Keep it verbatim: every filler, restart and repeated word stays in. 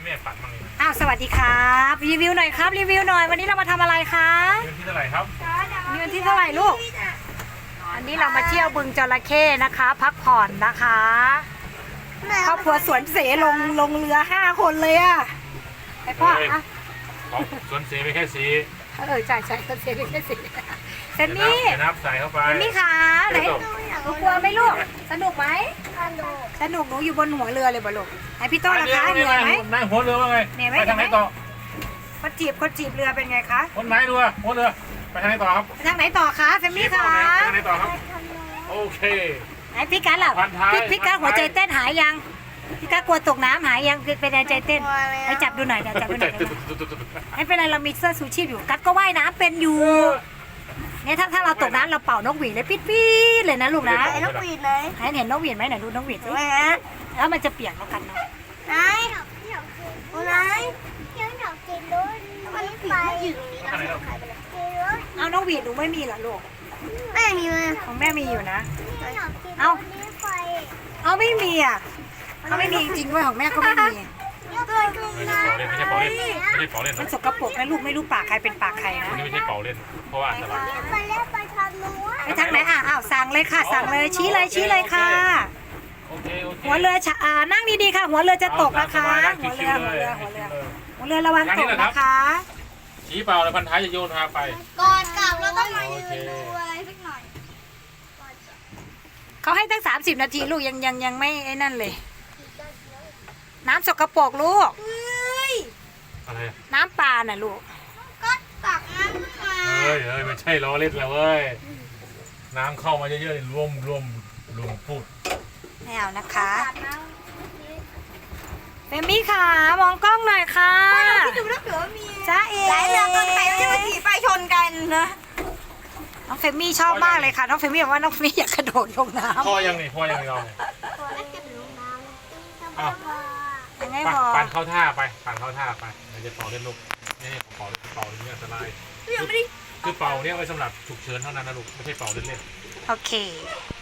แม่ฝันบ้างเลยอ้าวสวัสดีครับรีวิวหน่อยครับรีวิวหน่อยวันนี้เรามาทำอะไรคะเดือนที่เท่าไหร่ครับเดือนที่เท่าไหร่ลูกวันนี้เรามาเที่ยวบึงจระเข้นะคะ พักผ่อนนะคะครอบครัวสวนเสลงลงเรือห้าคนเลยอะไอพ่ออะของสวนเสไปแค่สีเออใช่ใช่สวนเสเป็นแค่สิเซนนี่เดี๋ยวนับใส่เข้าไปเซนนี่คะไหนหนูกลัวไหมลูกสนุกไหมสนุกหนูอยู่บนหัวเรือเลยบ่ลูกไอพี่โต้นะคะเหนื่อยไหมนายหัวเรือว่าไงเหนื่อยไหมไปทางไหนต่อคนจีบคนจีบเรือเป็นไงคะคนไหนเรือหัวเรือไปทางไหนต่อครับไปทางไหนต่อคะเซนนี่คะไปทางไหนต่อครับโอเคไอพี่กัสล่ะพันท้ายพี่พี่กัสพันท้ายหัวใจเต้นหายยังพี่กัสกลัวตกน้ำหายยังเป็นไงใจเต้นไอจับดูหน่อยเดี๋ยวจับดูหน่อยเดี๋ยวไม่เป็นไรเรามีเสื้อชูชีพอยู่กัสก็ว่ายน้ำเป็นอยู่เนี่ยถ้าถ้าเราตกน้ำเราเป่านกหวีดเลยปิดปี๊ดเลยนะลูกนะไอ้นกหวีดเลยให้เห็นนกหวีดไหมไหนดูนกหวีดสิไหนฮะแล้วมันจะเปียกแล้วกันเนาะไหนไหนมันผีมันอยู่ตรงนี้นะหายไปเลยเอานกหวีดหนูไม่มีเหรอลูกแม่มีเลยของแม่มีอยู่นะ เอาเอาไม่มีอ่ะเขาไม่มีจริงๆด้วยของแม่ก็ไม่มีตัวกุ้งไม่นะใช่เป่าเล่นไม่ใช่เป่าเล่นไม่มันใช่สกปรกนะลูกไม่รู้ปากใครเป็นปากใครนะเป่าเล่นไม่ใช่เป่าเล่นเพราะว่าอันตรายไปเล่นไปทางนู้นไปทางไหนอ่ะอ้าวสั่งเลยค่ะ สั่งเลยชี้เลยชี้เลยค่ะโอเคโอเคหัวเรือชะอ่านั่งดีๆค่ะ หัวเรือจะตกนะคะเอาหัวชิเรือวๆหัวเลเรืยอหัวเรือหัวเรือระวังตกนะคะชี้เป่าแล้วพันท้ายจะโยนพาไปก่อนกลับเราต้องมายืนดูอะไรสักหน่อยเขาให้ตั้งสามสิบนาทีลูกยังยังยังไม่ไอ้นั่นเลย น้ำสกปรกลูกเฮ้ยอะไรน้ำปลาน่ะลูกก็ตักน้ำมาเฮ้ยเฮ้ยไม่ใช่ล้อเล่นแล้วเว้ยน้ำเข้ามาเยอะๆนี่ร่วมร่วมรวมพูดไม่เอานะคะตักน้เฟมี่ค่ะมองกล้องหน่อยค่ะำพี่ดูนะเผื่อมีจ้าเอ๋หลายเรือเกินไปที่มาขี่ไปชนกันนะน้องเฟมี่ชอบมากเลยค่ะ น้องเฟมี่บอกว่าน้องเฟมี่อยากกระโดดลงน้พ่อยังนี่พ่อยังนี่เราเนี่ย อ้าวำยังไงไปพอปั่นเข้าท่าไปปั่นเข้าท่าไปเดี๋ยวจะเป่าเล่นลูกนี่นี่เป่าเป่านี่อันตรายยังไม่ได้คือเป่าเนี่ยไว้สำหรับฉุกเฉินเท่านั้นนะลูกไม่ใช่เป่าเล่นโอเค